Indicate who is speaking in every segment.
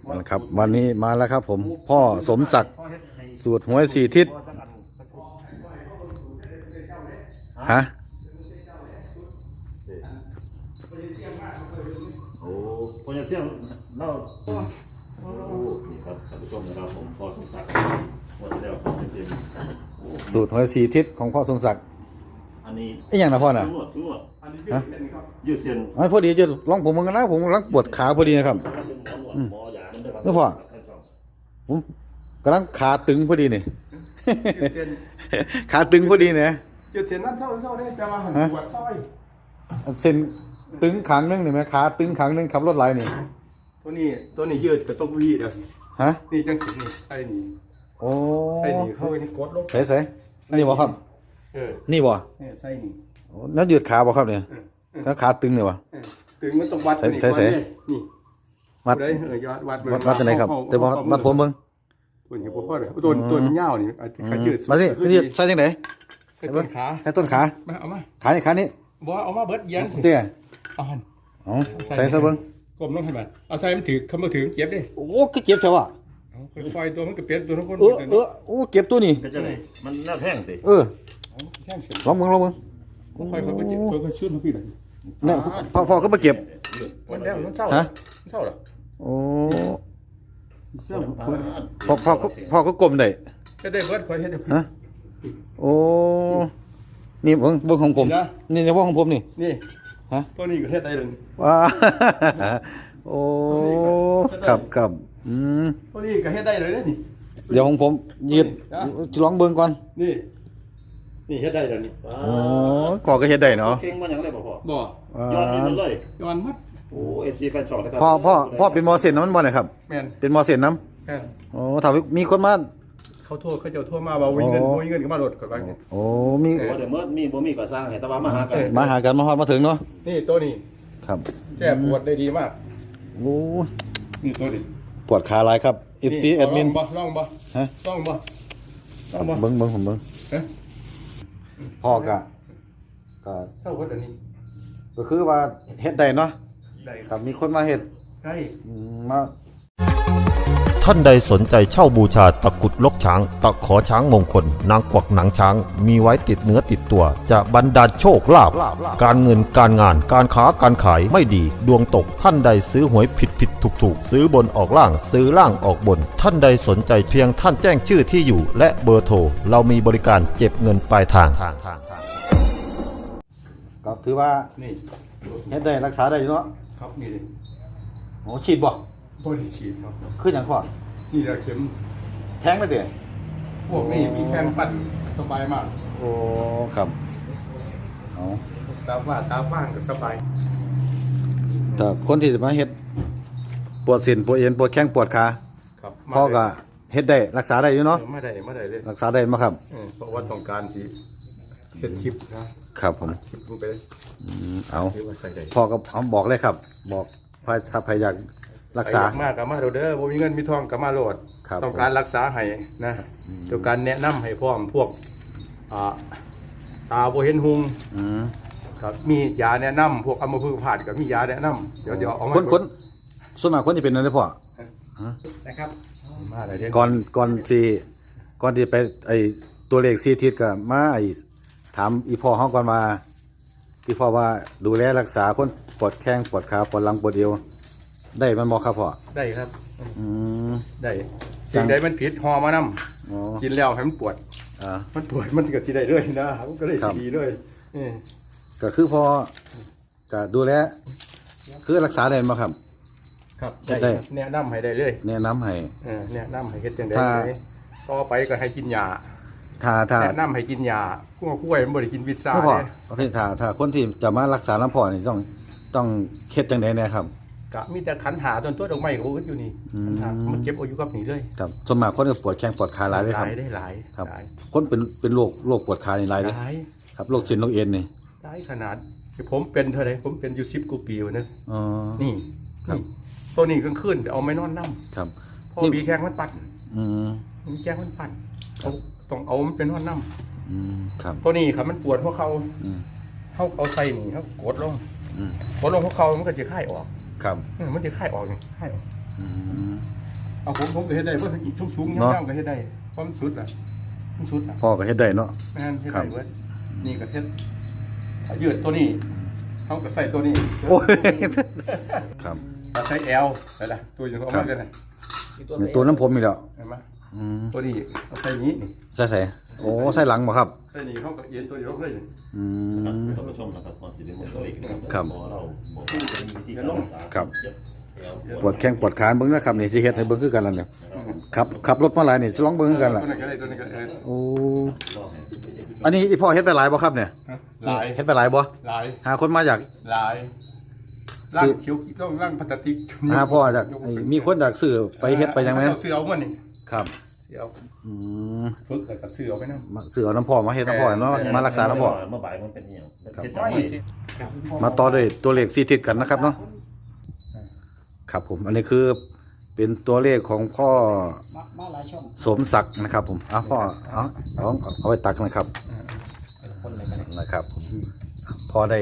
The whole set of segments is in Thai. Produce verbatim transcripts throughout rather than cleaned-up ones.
Speaker 1: นะครับวันนี้มาแล้วครับผมพ่อสมศักดิ์สูตรหวยสี่ทิศฮะ
Speaker 2: โอ้พอจะเที่ยงเล่าโอ้นี่ครับท่านผู้ชมนะครับผมพ่อสมศักดิ์หมดแล้วพ่อเต็ม
Speaker 1: สูตรหวยสี่ทิศของพ่อสมศักดิ์
Speaker 2: อันนี้
Speaker 1: ไอ้อย่างนะพ่อน่ะ
Speaker 2: ทั้งหมดทั้งหมด
Speaker 3: อันนี้ยืดเส้นครับ
Speaker 2: ยืดเส้น
Speaker 1: ไอ้พอดีจะลองผมมึงกันนะผมกำลังปวดขาพอดีนะครับ
Speaker 2: หมอหยานั่นด้วยครับ
Speaker 1: แล้วพ่อ ผมกำลังขาตึงพอดีนี่
Speaker 3: ยืดเส้น
Speaker 1: ขาตึงพอดีเนี่ย
Speaker 3: ยืดเส้นนั่นเศร้าเศร้าเนี่ยจะมาหันปวดซอย
Speaker 1: เส้นตึงขางนึงนี่ไหมขาตึงขางนึงขับรถไหลนี่
Speaker 3: ตัวนี้ตัวนี้ยืดกับตัววีเด้อ
Speaker 1: ฮะ
Speaker 3: นี่จังสินี่ไอ้นี่
Speaker 1: โอ้
Speaker 3: ไอ้นี่เข้าไปนี่กดลง
Speaker 1: ใส่ใส่นี่บ่ครับ
Speaker 3: เออ
Speaker 1: นี่บ่
Speaker 3: เนี่ยไส้นี่
Speaker 1: โอ้แล้วยืดขาบ่ครับเนี่ย
Speaker 3: เออเออ
Speaker 1: แล้วขาตึงเนี่ยวะ
Speaker 3: เออถึงมันต้องวัด
Speaker 1: ใส่
Speaker 3: นี่
Speaker 1: ใส่ใส่
Speaker 3: ก่อนเนี่ยนี่
Speaker 1: วัด
Speaker 3: ได้เออยอดวัด
Speaker 1: วัดวัดที่ไหนครับเดี๋ยววัดวัดผมเบิ่ง
Speaker 3: ตัวนี้ผมพ่อเลยตัวตัวมันยาวนี่ขายืด
Speaker 1: มาสินี่ใส่จังได๋
Speaker 3: ใส่ต้นขา
Speaker 1: ใส่ต้นขา
Speaker 3: มาเอามา
Speaker 1: ขานี่ขานี่
Speaker 3: บ่เอามาเบิดเย็นสิ
Speaker 1: เตี้ย
Speaker 3: เอาหัน
Speaker 1: อ๋อใส่ซะเบิ่ง
Speaker 3: กลมลงให้มันเอาใส่มันถือคำว่าถือเก็บดิ
Speaker 1: โอ้ก็เจ็บจังวะ
Speaker 3: เอาค่อยๆตัวมันก็เปลี่ยนตัวทั้งคน
Speaker 1: เออเออโอ้เก็บตัวนี่
Speaker 2: ก็จะไหนมันน่าแท่งสิ
Speaker 1: เออ
Speaker 3: แท่งเสร็จ
Speaker 1: ลองเบิ่งลองเบิ่ง
Speaker 3: ค่อยๆค่อยๆเจ็บตัวก็ชื่นพี่เลย
Speaker 1: เนี่ยพ่อพ่อก็มาเก็บ
Speaker 3: มันแล้วมันเศร้า
Speaker 1: ฮะ
Speaker 3: เศร้าเหรอ
Speaker 1: โอ้พ่อพ่อก็พ่อก็กลมได้
Speaker 3: จะได้เบิดค่อยเฮ็ดให้พี่
Speaker 1: ฮะโอ้นี่เบิ่งเบิ่งของผม
Speaker 3: นี่นะ
Speaker 1: นี่ในว่าของผมนี่
Speaker 3: นี่
Speaker 1: ฮะ
Speaker 3: ตัวนี้ก็เฮ็ดได้เลย
Speaker 1: ว้าโอ้ครับครับอืม
Speaker 3: ตัวนี้ก็เฮ็ดได้เลยนี่
Speaker 1: เดี๋ยวของผมยืด
Speaker 3: นะ
Speaker 1: จะลองเบิ่งก่อน
Speaker 3: นี่นี่เฮ็ดได้เลยนี่
Speaker 1: โอ้ก่อก็เฮ็ดได้เนาะ
Speaker 2: เข่งมันยังไงบ่พ่อ
Speaker 3: บ่
Speaker 2: ย้อนนี่มันเลย
Speaker 3: ย้อนมัด
Speaker 2: โอ้เอฟซีแฟนช็อตนะครับ
Speaker 1: พ่อพ่อพ่อเป็นมอเซ็นน้ำมันบ่เนี่ยครับ
Speaker 3: แม่น
Speaker 1: เป็นมอเซ็นน้
Speaker 3: แม่น
Speaker 1: ำโอ้ถ้ามีคนมา
Speaker 3: เขาโทษเขาเจ้าโทษมาว่าวิ่งเงิน
Speaker 1: อ๋อ
Speaker 3: วิ่งเงินก็มาโหลดก่อนว่า
Speaker 1: โอ้มี
Speaker 2: โอ้เดี๋ยวเมื่อมีบ่มีก็สร้างให้ตะวันมาหากัน
Speaker 1: มาหากันมาฮอดมาถึงเนาะ
Speaker 3: นี่ตัวนี้
Speaker 1: ครับ
Speaker 3: แก้ปวดได้ดีมาก
Speaker 1: โอ้
Speaker 3: นี่ตัวนี้
Speaker 1: ปวดขาหลายครับ เอฟ ซี แอดมิน
Speaker 3: ลองบ่ลองบ่
Speaker 1: ฮะ
Speaker 3: ลองบ่ลองบ่
Speaker 1: เบิ่งเบิ่งผมเบิ่ง
Speaker 3: เอ๊ะ
Speaker 1: พ่อกะก็
Speaker 3: เศร้าเบิดอันนี้
Speaker 1: ก็คือว่าเฮ็ดได้เนาะ
Speaker 3: ได้
Speaker 1: ครับมีคนมาเฮ็ด
Speaker 3: ได้
Speaker 1: อืมมา
Speaker 4: ท่านใดสนใจเช่าบูชาตะกรุดลกช้าง ตะขอช้างมงคล นางกวักหนังช้าง มีไว้ติดเนื้อติดตัว จะบรรดาลโชคลาภการเงินการงานการค้าการขายไม่ดี ดวงตกท่านใดซื้อหวยผิดผิดถูกถูกซื้อบนออกล่างซื้อล่างออกบน ท่านใดสนใจเพียงท่านแจ้งชื่อที่อยู่ และเบอร์โทรเรามีบริการเก็บเงินปลายทาง
Speaker 1: ก็ถือว่า
Speaker 3: นี่
Speaker 1: เฮ็ดได้รักษาได้อยู่เนาะ
Speaker 3: ครับนี่ดิ
Speaker 1: โอ้ฉีดบ่
Speaker 3: บ่ได้ฉีดครับ
Speaker 1: คือหยังพ่อ
Speaker 3: นี่แหละเข็ม
Speaker 1: แทงได้เด้
Speaker 3: พวกนี้มีแข้งปั่นสบายมาก
Speaker 1: โอ้ครับเอา
Speaker 3: ตาฝ้าตาฟ้างก็สบาย
Speaker 1: แต่คนที่จะมาเฮ็ดปวดเส้นปวดเอ็นปวดแข้งปวดขา
Speaker 3: ครับ
Speaker 1: พ่อก็เฮ็ดได้รักษาได้อยู่เนาะ
Speaker 3: ไม่ได้ไม่ได้เลย
Speaker 1: รักษาได้มาครับ
Speaker 3: เออเพราะว่าต้องการสิเฮ็ดคลิปนะครับ
Speaker 1: ผม
Speaker 3: คลิปลงไปเลย
Speaker 1: อืมเอา
Speaker 3: หรือว่าใส่ได้
Speaker 1: พ่อก็เอาบอกเลยครับ บอกพายถ้าพายอยากรักษา
Speaker 3: ใคอยมากก็มาโดดเด้อบ่มีเงินมีทองก็มาโหลด
Speaker 1: ครับ
Speaker 3: ต้องการรักษาให้นะต้องการแนะนำให้พร้อมพวกอ่าตาบ่เห็นหุง
Speaker 1: อืม
Speaker 3: ครับมียาแนะนำพวกอัมพฤกษ์ผาดก็มียาแนะนำเดี๋ยวเดี๋ยวเอามา
Speaker 1: คนคนส่วนมากคนจะเป็นอะไรพ่อ
Speaker 3: นะครับมาเลยเดี๋ยว
Speaker 1: ก่อนก่อนที่ก่อนที่ไปไอตัวเลขซีทิศก็มาไอถามอีพ่อเฮาก่อนมาที่พ่อว่าดูแลรักษาคนปวดแข้งปวดขาปวดหลังปวดเอวได้มันบ่ครับพ่อ
Speaker 3: ได้ครับ
Speaker 1: อืม
Speaker 3: ได้สิ่งใดมันผิดหอมานำ
Speaker 1: อ๋อ
Speaker 3: กินแล้วให้มันปวด
Speaker 1: อ่า
Speaker 3: มันปวดมันก็สิได้เลยนะมันก็เลย
Speaker 1: ครับ
Speaker 3: สิดีเลยเออ
Speaker 1: ก็คือพอก็ดูแลคือรักษาได้บ่ครับ
Speaker 3: ครับ
Speaker 1: ได้
Speaker 3: ได้ครับแนะนำให้ได้เลย
Speaker 1: แนะนำให้
Speaker 3: เออแนะนำให้เฮ็ดจังได๋
Speaker 1: ถ้า
Speaker 3: ต่อไปก็ให้กินยา
Speaker 1: ถ้าถ้า
Speaker 3: แนะนำให้กินยาพวกกล้วยมันบ่ได้กินวิตซ่า
Speaker 1: ไม่พอ
Speaker 3: เด้
Speaker 1: ประเภทถ้าถ้าคนที่จะมารักษาลำพ่อนี่ต้องต้องเฮ็ดจังได๋แน่ครับ
Speaker 3: ก็มีแต่ขันหาต้นตัวดอกไม้ก็บ่อึดอยู่นี่
Speaker 1: อืม
Speaker 3: ขันหามันเก็บเอาอยู่กับนี่เลย
Speaker 1: ครับส่วนมากคนก็ปวดแข้งปวดขาหลายเลยครับ
Speaker 3: หลายได้หลาย
Speaker 1: ครับ
Speaker 3: หลาย
Speaker 1: คนเป็นเป็นโรคโรคปวดขานี่หลายเลย
Speaker 3: หลาย
Speaker 1: ครับโรคเส้นโรคเอ็นนี่
Speaker 3: หลายขนาดที่ผมเป็นเท่าไหร่ผมเป็นอยู่สิบกว่าปีอยู่นะ
Speaker 1: อ๋อ
Speaker 3: นี่
Speaker 1: ครับ
Speaker 3: นี่ตัวนี้กลางคืนเอาไม่นอนนำ
Speaker 1: ครับ
Speaker 3: พอ
Speaker 1: นี่
Speaker 3: มีแข้งมันปั่น
Speaker 1: อืม
Speaker 3: มีแข้งมันปั่นต้องต้องเอามันเป็นนอนนำ
Speaker 1: อืมครับ
Speaker 3: ตัวนี้ครับมันปวดหัวเข่า
Speaker 1: อืม
Speaker 3: เฮาเอาใส่นี่เฮากดลง
Speaker 1: อืม
Speaker 3: กดลงหัวเข่ามันก็จะคลายออก
Speaker 1: ครับ
Speaker 3: เออมันจะคลายออกนี่คลายออก
Speaker 1: อืม
Speaker 3: เอาผมผมก็เฮ็ดได้เพราะอีกชุ่มชุ่ม
Speaker 1: เนาะ
Speaker 3: ย่างๆก็เฮ็ดได้เพราะมันสุดอ่ะมันสุดอ่ะ
Speaker 1: พ่อก็เฮ็ดได้เนาะ
Speaker 3: แม่นเฮ็ด
Speaker 1: ครั
Speaker 3: ได้
Speaker 1: บ
Speaker 3: เว้ยนี่ก็เฮ็ดอ่ะยืดตัวนี้เขาก็ใส่ตัวนี้
Speaker 1: โอ้ยครับ
Speaker 3: ถ้าใช้แอลได้ละตัวอยู่เอา
Speaker 1: ครั
Speaker 3: มา
Speaker 1: บ
Speaker 3: กันนะ
Speaker 1: ตัวน้ำผมอีกแล้ว
Speaker 3: เห็นไหม
Speaker 1: อืม
Speaker 3: ตัวนี้เอาใส่นี้นี่
Speaker 1: ใส่ใส่โอ้ใส่หลังบ่ครับ
Speaker 3: ใส่นี้เขาก็เย็นตัวนี้ลงเลย
Speaker 1: อื
Speaker 2: ครับ
Speaker 1: ม
Speaker 2: ท่านผู้ชมนะครับก่อนสิเดินตัวเลขนะครับ
Speaker 1: ครับ
Speaker 2: พอเราบอกว่าจะมีวิธีการรักษา
Speaker 1: ครับ
Speaker 2: เจ็บแอว
Speaker 1: ปวดแข้งปวดขาเบิ่งนะครับนี่ที่เฮ็ดให้เบิ่งคือกันล่ะเนี่ยขับขับรถมาหลายนี่จะลองเบิ่งคือกันล่ะ
Speaker 3: ตัวนี้ก็ได้ตัวนี้ก็ได้
Speaker 1: โอ้
Speaker 2: รอบให้
Speaker 1: อันนี้อีพ่อเฮ็ดไปหลายบ่ครับเนี่ย
Speaker 3: หลาย
Speaker 1: เฮ็ดไปหลายบ่
Speaker 3: หลาย
Speaker 1: หาคนมาอยาก
Speaker 3: หลายร่างเขียวต้องร่างพลาสติก
Speaker 1: หาพ่ออยากไอ้มีคนอยากซื้อไปเฮ็ดไปยังไง
Speaker 3: เอาเสื้อเอามันนี่
Speaker 1: ครับ
Speaker 3: เสื้อเอา
Speaker 1: อืม
Speaker 3: ฝึกแล้วกับเสื้อเอาไปนะ
Speaker 1: มาซื้อเอาน้ำพ่อมาเฮ็ดน้ำพ่อเนาะมารักษาน้ำพ่อ
Speaker 2: เมื่อบ่ายมันเป็นอหย่างเป็น
Speaker 1: ครับ
Speaker 2: เจ็บจังไหม
Speaker 1: มาต่อด้วยตัวเลขสี่ทิศกันนะครับเนาะครับผม อันนี้คือเป็นตัวเลขของพ่อ
Speaker 5: มามาหลายช่อง
Speaker 1: สมศักดิ์นะครับ ผมเอาพ่อเอาเอาเอาไปตักหนะครับ
Speaker 5: คนเลยกัน
Speaker 1: นะครับผมพ่อได้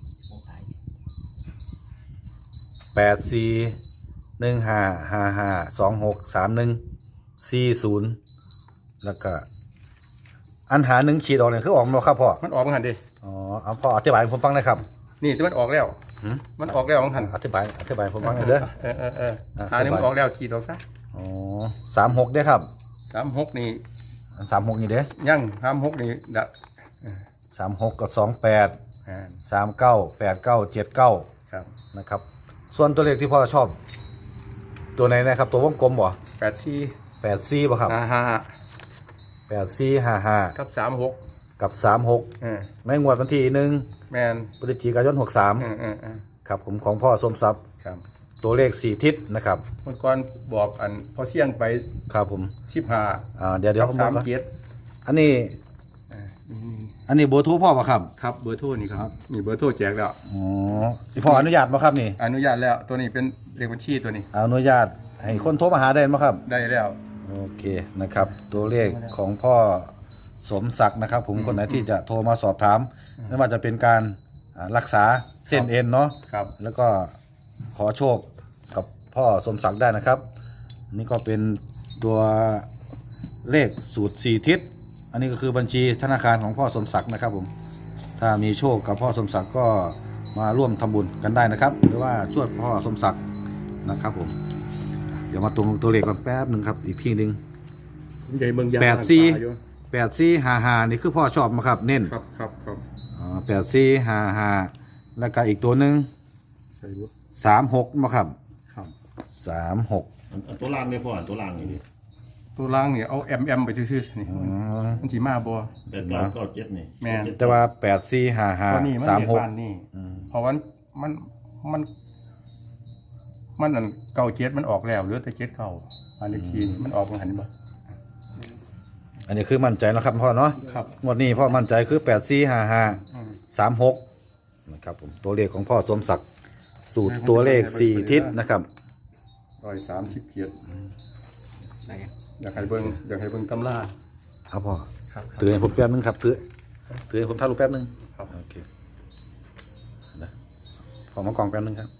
Speaker 1: แปดสี่หนึ่งห้าห้าห้าสองหกสามหนึ่งสี่ศูนย์แล้วก็ อันหาหนึ่งขีดออกเนี่ยคือออกมาแล้วครับพ่อ
Speaker 3: มันออกมันหันดิ
Speaker 1: อ๋อเอาพ่ออธิบายให้ผมฟังหนะครับ
Speaker 3: นี่ที่มันออกแล้ว
Speaker 1: หืม
Speaker 3: มันออกแล้วมันหัน
Speaker 1: อธิบายอธิบายให้ผมฟังหน่อยเด้อ
Speaker 3: เออเออเออ
Speaker 1: อ่ะ
Speaker 3: หานี่มันออกแล้วขีดออกซะ
Speaker 1: อ๋อสามหกเด้อครับ
Speaker 3: สามหกนี่
Speaker 1: สามหกนี่เด้อ
Speaker 3: ยั่งสามหกนี่ดะ
Speaker 1: สามหกกับสองแปด
Speaker 3: อ่า
Speaker 1: สามเก้าแปดเก้าเจ็ดเก้า
Speaker 3: ครับ
Speaker 1: นะครับ ส่วนตัวเลขที่พ่อชอบ ตัวไหนนะครับ ตัววงกลมบ่
Speaker 3: แปดสี่
Speaker 1: แปดสี่บ่ครับ
Speaker 3: ห้าห้า
Speaker 1: แปดสี่ห้าห้า
Speaker 3: กับสามหก
Speaker 1: กับสามหก
Speaker 3: เออ
Speaker 1: ในงวดวันที่หนึ่ง
Speaker 3: แมน
Speaker 1: พฤศจิกายนหกสาม
Speaker 3: เออเออเออ
Speaker 1: ครับผมของพ่อสมทรัพย์
Speaker 3: ครับ
Speaker 1: ตัวเลขสี่ทิศนะครับ
Speaker 3: เมื่อก่อนบอกอันพอเสี่ยงไป
Speaker 1: ครับผม
Speaker 3: สิบห้า
Speaker 1: อ่าเดี๋ยวเดี๋ยว
Speaker 3: กั
Speaker 1: ผม
Speaker 3: สาม
Speaker 1: บอก
Speaker 3: เจ็ด
Speaker 1: อันนี้
Speaker 3: อ่านี่
Speaker 1: อันนี้เบอร์โทรพ่อป่ะครับ
Speaker 3: ครับเบอร์โทรนี่ครับนี่เบอร์โทรแจกแล้ว
Speaker 1: อ๋อที่พ่ออนุญาตป่ะครับนี่
Speaker 3: อนุญาตแล้วตัวนี้เป็นเลขบัญชีตัวนี้
Speaker 1: อนุญาตให้คนโทรมาหาได้ไหมครับ
Speaker 3: ได้แล้ว
Speaker 1: โอเคนะครับ ตัวเลขของพ่อสมศักดิ์นะครับ ผมคนไหนที่จะโทรมาสอบถามไม่ว่าจะเป็นการอ่ารักษาเส้นเอ็นเนาะ
Speaker 3: ครับ
Speaker 1: แล้วก็ขอโชคกับพ่อสมศักดิ์ได้นะครับ นี่ก็เป็นตัวเลขสูตรสี่ทิศ อันนี้ก็คือบัญชีธนาคารของพ่อสมศักดิ์นะครับผมถ้ามีโชคกับพ่อสมศักดิ์ก็มาร่วมทำบุญกันได้นะครับ หรือว่าช่วยพ่อสมศักดิ์นะครับผมเดี๋ยวมาตรงตัวเลขก่อนแป๊บหนึ่งครับ อีกทีหนึ่ง
Speaker 3: ใหญ่เมืองยา
Speaker 1: แปดสี่
Speaker 3: อยู่
Speaker 1: แปดสี่ห้าห้านี่คือพ่อชอบมาครับ เน้น
Speaker 3: ครับครับครับ
Speaker 1: แปดสี่ห้าห้าแล้วก็อีกตัวหนึ่ง
Speaker 3: ใส่บุ
Speaker 1: สามหกมาครับ
Speaker 3: ครับ
Speaker 1: สามหก
Speaker 2: อันอันตัวล่างไม่พออันตัวล่างนี่ดิ
Speaker 3: ตัวล่างนี่เอาแอมแอมไปซื่อๆนี่มันสีมาบัว
Speaker 2: แต่เก้าเก้าเจ็ดนี่
Speaker 3: แม่น
Speaker 2: เจ็ด
Speaker 1: แต่ว่าแปดสี่ห้าห้า
Speaker 3: ตัวนี้มัน
Speaker 1: สาม
Speaker 3: เรียก
Speaker 1: หก
Speaker 3: บ้านนี่เพราะว่ามันมัน มันอันเก่าเจ็ดมันออกแล้วเหลือแต่เจ็ดเก่าอันนี้ทีนี่มันออกมาหันบ่
Speaker 1: อันนี้คือมั่นใจแล้วครับพ่อเนาะ
Speaker 3: ครับ
Speaker 1: งวดนี้พ่อมั่นใจคือแปดสี่ห้าห้า
Speaker 3: อืม
Speaker 1: สามหกนะครับผมตัวเลขของพ่อสมศักดิ์สูตรตัวเลขสี่ทิศนะครับ
Speaker 3: ร้อยสามสิบเกียรติ
Speaker 5: ไหน
Speaker 3: อยากให้เบิ่งอยากให้เบิ่งตำรา
Speaker 1: ครับพ่อ
Speaker 3: ครับ
Speaker 1: ถือให้ผมแป๊บนึงครับถือถือให้ผมถ่ายรูปแป๊บนึง
Speaker 3: ครับ
Speaker 1: โอเคนะขอมากล่องแป๊บนึงครับ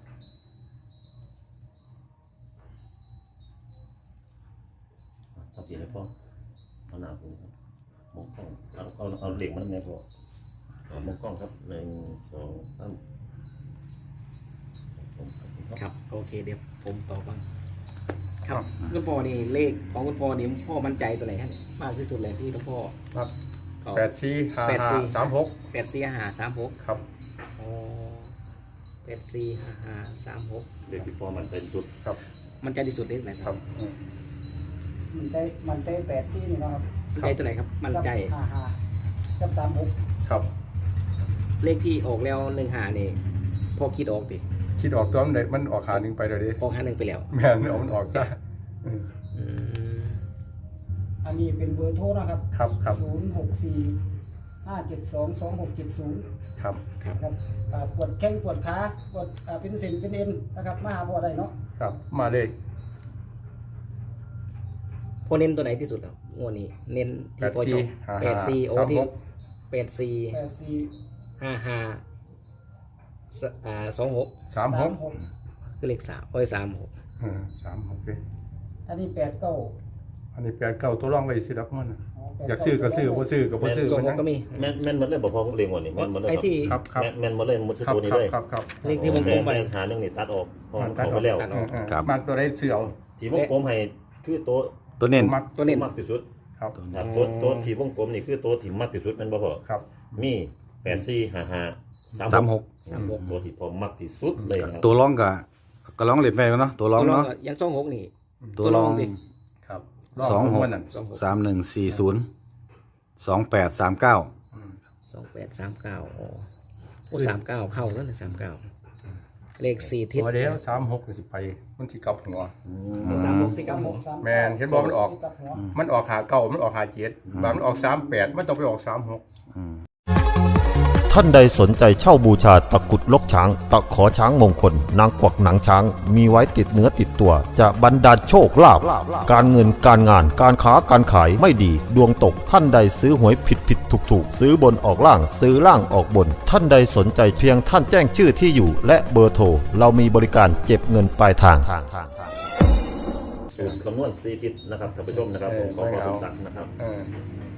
Speaker 2: เอาเปลี่ยนเลยพ่อเอาหน้าผมครับมองกล้องเอาเอาเอาเหล็กมันไงพ่อเอามองกล้องครับหนึ่งสองสามผมครับ
Speaker 5: ครับโอเคเดี๋ยวผมต่อบ้างครับคุณพ่อนี่เลขของคุณพ่อนี่พ่อมั่นใจตัวไหนฮะเนี่ยมากที่สุดเลยที่คุณพ่อ
Speaker 3: ครับ
Speaker 5: เอา
Speaker 3: แปดสี่ห้า
Speaker 5: แปดสี่
Speaker 3: ห้าสามหก
Speaker 5: แปดสี่ห้าสามหก
Speaker 3: ครับ
Speaker 5: อ๋อแปดสี่ห้าห้าสามหก
Speaker 2: เด็กที่พ่อมันใจที่สุด
Speaker 3: ครับ
Speaker 5: มันใจที่สุดเลขไหน
Speaker 3: ครับอืม
Speaker 6: มันใจมันใจแปดซี่นี่เนาะครับ
Speaker 5: มั่นใจตัวไหนครับ มั่นใจ
Speaker 6: ห้าห้ากับสามหก
Speaker 3: ครับ
Speaker 5: เลขที่ออกแล้วหนึ่งหานี่พ่อคิดออกดิ
Speaker 3: คิดออกตัวมันได้มันออกขาหนึ่งไปเดี๋ยวนี้
Speaker 5: ออกห้าหนึ่งไปแล้ว
Speaker 3: แม่นเอามันออกจ้ะอืม
Speaker 5: อืม
Speaker 6: อันนี้เป็นเบอร์โทรนะครับ
Speaker 3: ครับครับ
Speaker 6: ศูนย์หกสี่ห้าเจ็ดสองสองหกเจ็ดศูนย์
Speaker 3: ครับ
Speaker 5: ครับ
Speaker 6: ครับอ่าปวดแข้งปวดขาปวดอ่าเป็นเส้นเป็นเอ็นนะครับมาหาพ่อได้เนาะ
Speaker 3: ครับมาเลย
Speaker 5: พ่อเน้นตัวไหนที่สุดครับงวดนี้ เน้นที่พ่อชอบ
Speaker 3: แป
Speaker 5: แป
Speaker 3: ด
Speaker 5: ด
Speaker 3: สี่
Speaker 5: สี่โอ้
Speaker 3: ห้า
Speaker 5: ที่
Speaker 3: สามหก
Speaker 5: แปดสี่
Speaker 6: แปดสี่
Speaker 5: ห้าห้าสอ่าสองหก
Speaker 3: สามหก
Speaker 6: หก
Speaker 5: คือเลขสามโอ้ยสามหก
Speaker 3: เออสามหกเลย
Speaker 6: อันนี้แปดเก้า
Speaker 3: อันนี้แปดเก้าตัวรองไว้สิดอกมันน่ะ
Speaker 6: แปด
Speaker 3: อยากซื้อก็ซื้อบ่ซื้อก็บ่ซื้อ
Speaker 5: สอง
Speaker 3: มัน
Speaker 5: ห
Speaker 3: ยั
Speaker 5: ก
Speaker 3: ง
Speaker 5: ก็มี
Speaker 2: แม่นแม่นหมดเลยบ่พอผมเรียงวันนี้แม่นหมดเลย
Speaker 5: ไอ้ที่
Speaker 3: ครับครับ
Speaker 2: แม่นแม่นหมดเลยหมดทุก
Speaker 3: ครับ
Speaker 2: ตัวนี้
Speaker 3: ครั
Speaker 2: เล
Speaker 3: บ
Speaker 2: ย
Speaker 3: ครับครับ
Speaker 5: เลขที่วงกลมไป
Speaker 2: หาเรื่องนี้ตัดออกเพราะมันเข้าไปแล้ว
Speaker 5: ตัด
Speaker 3: เอ
Speaker 5: อ
Speaker 3: อ
Speaker 5: อก
Speaker 3: เออ
Speaker 1: ครับ
Speaker 3: มากตัวได้ซื้อเอา
Speaker 2: ที่วงกลมให้คือตัว
Speaker 1: ตัวเน้น
Speaker 3: มัก
Speaker 5: ตัวนี้
Speaker 2: มากที่สุด
Speaker 3: ครับ
Speaker 2: ครับตัวตัวที่วงกลมนี่คือตัวที่มากที่สุดแม่นบ่พอ
Speaker 3: ครับ
Speaker 2: มีแปดสี่ห้าห้า
Speaker 1: สามหก
Speaker 5: สามหก
Speaker 2: ตัวที่พอมากที่สุดเลยนะครับ
Speaker 1: ตัวร้องก็ก็ร้องเล่นไปเนาะตัวร้อง
Speaker 5: ตัวรอง
Speaker 1: เนาะ
Speaker 5: ก็ยังสองหกนี่
Speaker 1: ตัวร้อง
Speaker 5: ดิ
Speaker 3: ครับ
Speaker 1: สองหก
Speaker 3: มันนั่น
Speaker 5: สองหก
Speaker 1: สามหนึ่งสี่ศูนย์สองแปดสามเก้า
Speaker 5: สองแปดสามเก้าโอ้โอ้สามเก้าเข้าแล้วนะสามเก้าเลขสี่ทิศ
Speaker 3: ตัวเดียวสามหกนี่สิไปมันสิกลับหัว
Speaker 5: สามหกสี่เก้าหก
Speaker 3: แม่นเห็นบ่มันออก
Speaker 6: กับหัว
Speaker 3: มันออกหาเก้ามันออกหาเจ็ดบางมันออกสามแปดมันต้องไปออกสามหก
Speaker 4: ท่านใดสนใจเช่าบูชาตะกรุดลกช้าง ตะขอช้างมงคล นางกวักหนังช้าง มีไว้ติดเนื้อติดตัว จะบรรดาลโชคลาภการเงินการงานการค้าการขายไม่ดี ดวงตกท่านใดซื้อหวยผิดผิดถูกถูกซื้อบนออกล่างซื้อล่างออกบน ท่านใดสนใจเพียงท่านแจ้งชื่อที่อยู่ และเบอร์โทรเรามีบริการเก็บเงินปลายทาง
Speaker 2: สูตรคำนวณสี่ทิศนะครับท่านผู้ชมนะครับผมขอขอสมศักดิ์นะครับ
Speaker 3: เออ